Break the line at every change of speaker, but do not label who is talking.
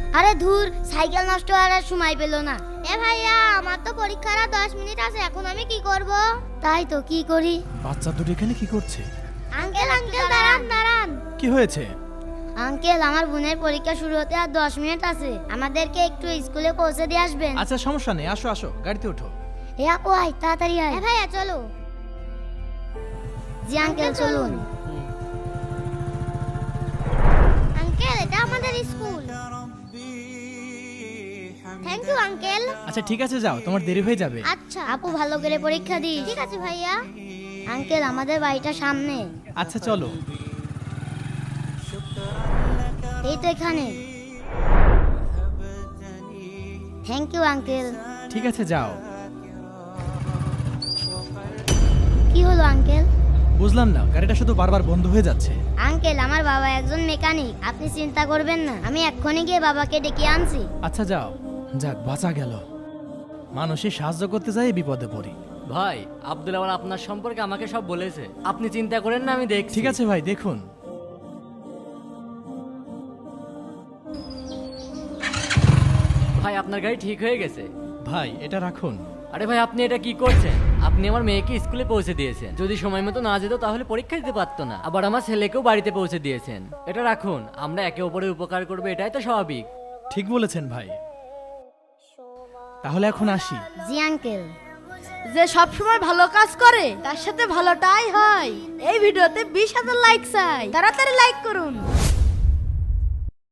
আরে ধুর, সাইকেল নষ্ট হওয়ার আর সময় পেল না। এ ভাইয়া, আমার তো পরীক্ষার আর 10 মিনিট আছে, এখন আমি কি করব? তাই তো, কি করি?
বাচ্চা দুটো এখানে কি করছে?
আঙ্কেল আঙ্কেল দাঁড়ান দাঁড়ান।
কি হয়েছে?
আঙ্কেল, আমার বোনের পরীক্ষা শুরু হতে আর 10 মিনিট আছে, আমাদেরকে একটু স্কুলে পৌঁছে দিয়ে আসবেন?
আচ্ছা সমস্যা নেই, আসো আসো গাড়িতে ওঠো।
এ আপু আয়, তাড়াতাড়ি আয়। এ ভাইয়া চলো। জি আঙ্কেল চলুন। আঙ্কেল, এটা আমাদের স্কুল। Thank you uncle.
আচ্ছা ঠিক আছে, যাও, তোমার দেরি হয়ে যাবে।
আচ্ছা আপু, ভালো করে পরীক্ষা দিস। ঠিক আছে ভাইয়া। আঙ্কেল, আমাদের বাড়িটা সামনে।
আচ্ছা চলো।
এই তো এখানে। Thank you uncle.
ঠিক আছে যাও।
কি হলো আঙ্কেল?
বুঝলাম না, গাড়িটা শুধু বারবার বন্ধ হয়ে যাচ্ছে।
আঙ্কেল, আমার বাবা একজন মেকানিক, আপনি চিন্তা করবেন না, আমি এক্ষুনি গিয়ে বাবাকে ডেকে আনছি।
আচ্ছা যাও। যাক, বাঁচা গেল। মানুষের সাহায্য করতে যাই বিপদে পড়ি।
ভাই, আব্দুল আবার আপনার সম্পর্কে আমাকে সব বলেছে। আপনি চিন্তা করেন না, আমি দেখছি।
ঠিক আছে ভাই, দেখুন।
ভাই, আপনার গাড়ি ঠিক হয়ে গেছে।
ভাই এটা রাখুন।
আরে ভাই, আপনি এটা কি করছেন? আপনি আমার মেয়েকে স্কুলে পৌঁছে দিয়েছেন। যদি সময় মতো না যেত তাহলে পরীক্ষা দিতে পারতো না। আবার আমার ছেলেকেও বাড়িতে পৌঁছে দিয়েছেন। এটা রাখুন, আমরা একে অপরের উপকার করবো, এটাই তো স্বাভাবিক।
ঠিক বলেছেন ভাই। তাহলে এখন আসি।
জি আঙ্কেল।
যে সব সময় ভালো কাজ করে তার সাথে ভালোটাই হয়। এই ভিডিওতে 20,000 লাইক চাই, তাড়াতাড়ি লাইক করুন।